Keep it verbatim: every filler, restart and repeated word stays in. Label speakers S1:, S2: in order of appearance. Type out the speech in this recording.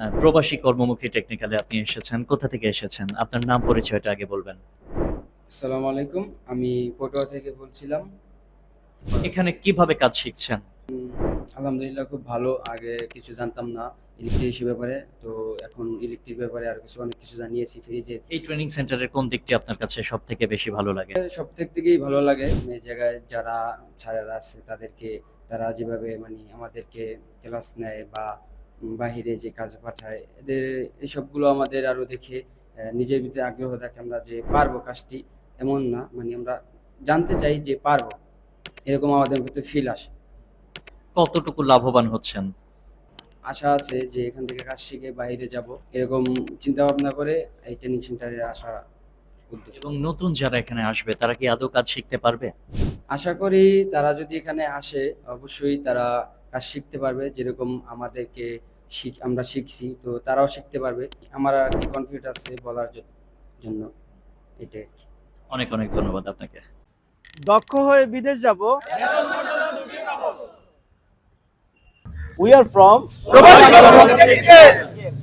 S1: আ প্রবাসী কর্মমুখী টেকনিক্যালে আপনি এসেছেন। কোথা থেকে এসেছেন? আপনার নাম পরিচয়টা আগে বলবেন।
S2: আসসালামু আলাইকুম। আমি পটুয়া থেকে বলছিলাম।
S1: এখানে কিভাবে কাজ শিখছেন?
S2: আলহামদুলিল্লাহ খুব ভালো। আগে কিছু জানতাম না ইলেকট্রিশিয়ান ব্যাপারে। তো এখন ইলেকট্রিক ব্যাপারে আরো কিছু অনেক কিছু জানিয়েছি ফ্রিজে।
S1: এই ট্রেনিং সেন্টারের কোন দিকটি আপনার কাছে সবথেকে বেশি ভালো লাগে?
S2: সবথেক থেকেই ভালো লাগে এই জায়গায় যারা স্যারেরা আছে তাদেরকে তারা যেভাবে মানে আমাদেরকে ক্লাস নেয় বা উম বাহিরে যে কাজে পাঠায় এদের এসবগুলো আমাদের আরো দেখে অ্যা নিজের ভিতরে আগ্রহ থাকে আমরা যে পারবো কাজটি এমন না। মানে আমরা জানতে চাই যে পারবো। এরকম আমাদের ভিতরে ফিল আসে।
S1: কতটুকু লাভবান হচ্ছেন?
S2: আশা আছে যে এখান থেকে কাজ শিখে বাহিরে যাব। এরকম চিন্তাভাবনা করে এই ট্রেনিং সেন্টারে আসা উদ্যোগ।
S1: এবং নতুন যারা এখানে আসবে তারা কি আদৌ কাজ শিখতে পারবে?
S2: আশা করি তারা যদি এখানে আসে অবশ্যই তারা কাজ শিখতে পারবে। যেরকম আমাদেরকে শিখ আমরা শিখছি তো তারাও শিখতে পারবে। আমার আরকি কনফিডেন্ট আছে বলার জ জন্য এটাই আরকি।
S1: অনেক, অনেক ধন্যবাদ আপনাকে।
S3: দক্ষ হয়ে বিদেশ যাব। We are from
S4: প্রবাসী কর্মমুখী টেকনিক্যাল।